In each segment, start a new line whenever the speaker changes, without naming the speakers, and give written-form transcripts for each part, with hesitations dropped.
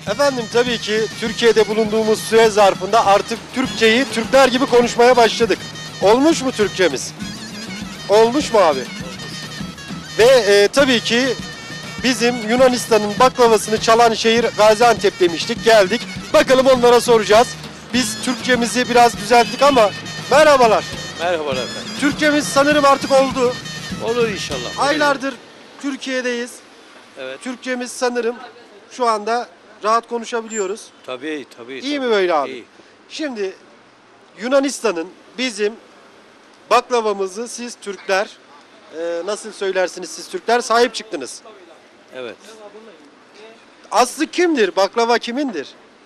Efendim tabii ki Türkiye'de bulunduğumuz süre zarfında artık Türkçeyi Türkler gibi konuşmaya başladık. Olmuş mu Türkçemiz? Olmuş mu abi? Ve tabii ki bizim Yunanistan'ın baklavasını çalan şehir Gaziantep demiştik. Geldik. Bakalım onlara soracağız. Biz Türkçemizi biraz düzelttik ama merhabalar.
Merhabalar efendim.
Türkçemiz sanırım artık oldu.
Olur inşallah.
Aylardır Türkiye'deyiz.
Evet.
Türkçemiz sanırım şu anda rahat konuşabiliyoruz.
Tabii tabii.
İyi
tabii.
mi böyle abi?
İyi.
Şimdi Yunanistan'ın bizim baklavamızı siz Türkler nasıl söylersiniz siz Türkler sahip çıktınız.
Evet.
Aslı kimdir? Baklava kimindir?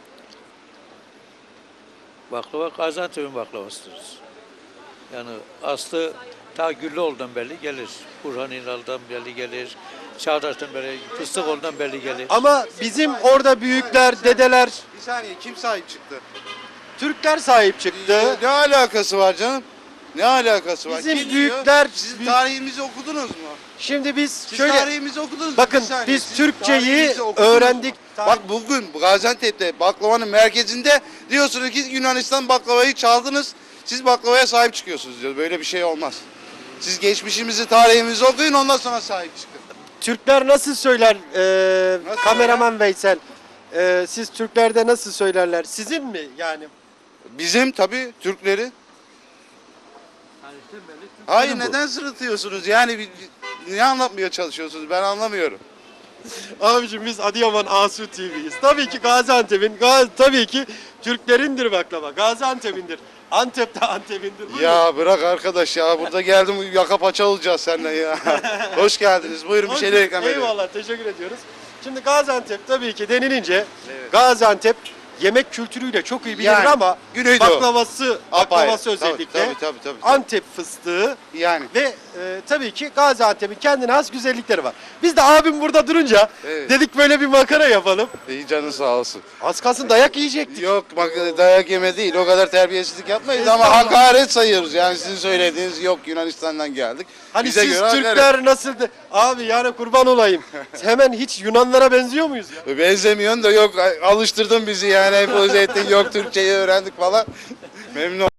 Baklava Gaziantep'in baklavasıdır. Yani aslı ta Güllüoğlu'ndan belli gelir. Burhan İnal'dan belli gelir. Çağdaş'tan belli, Fıstıkoğlu'ndan belli gelir.
Ama bizim orada büyükler, dedeler,
Bir saniye kim sahip çıktı?
Türkler sahip çıktı.
Ne alakası var canım? Ne alakası var?
Bizim
Kim
büyükler-
diyor? Siz tarihimizi okudunuz mu?
Şimdi biz
Siz
şöyle
tarihimizi okudunuz mu?
bakın
Bir saniye,
biz
siz
Türkçeyi
tarihimizi okudunuz mu?
öğrendik.
Bak bugün Gaziantep'te baklavanın merkezinde diyorsunuz ki Yunanistan baklavayı çaldınız. Siz baklavaya sahip çıkıyorsunuz diyor. Böyle bir şey olmaz. Siz geçmişimizi, tarihimizi okuyun ondan sonra sahip çıkın.
Türkler nasıl söyler
Nasıl
kameraman Veysel? Siz Türklerde nasıl söylerler? Sizin mi yani?
Bizim tabii Türkleri. Hayır neden sırıtıyorsunuz? Yani niye anlatmaya çalışıyorsunuz? Ben anlamıyorum.
Abicim biz Adıyaman Asu TV'yiz. Tabii ki Gaziantep'in, tabii ki Türklerindir baklava. Gaziantep'indir. Antep'te Antep'indir. Buyurun.
Ya bırak arkadaş ya. Burada geldim yaka paça olacağız seninle ya. Hoş geldiniz. Buyurun bir şeyler ikram edin.
Eyvallah teşekkür ediyoruz. Şimdi Gaziantep tabii ki denilince
Evet.
Gaziantep yemek kültürüyle çok iyi bilinir
Yani,
ama
Güneydoğu.
baklavası
Apayrı.
özellikle
Tabii.
Antep fıstığı
Yani.
ve tabii ki Gaziantep'in kendine has güzellikleri var. Biz de abim burada durunca
Evet.
dedik böyle bir makara yapalım.
İyi canın sağ olsun.
Az kalsın dayak yiyecektik.
Yok bak dayak yeme değil. O kadar terbiyesizlik yapmayız ama
Estağfurullah.
hakaret sayıyoruz. Yani sizin söylediğiniz yok Yunanistan'dan geldik.
Hani
Bize
siz
göre hakaret.
Türkler nasıl abi yani kurban olayım. Hemen hiç Yunanlara benziyor muyuz ya?
Benzemiyorsun da yok alıştırdın bizi yani. Empoze ettin yok Türkçeyi öğrendik falan. Memnun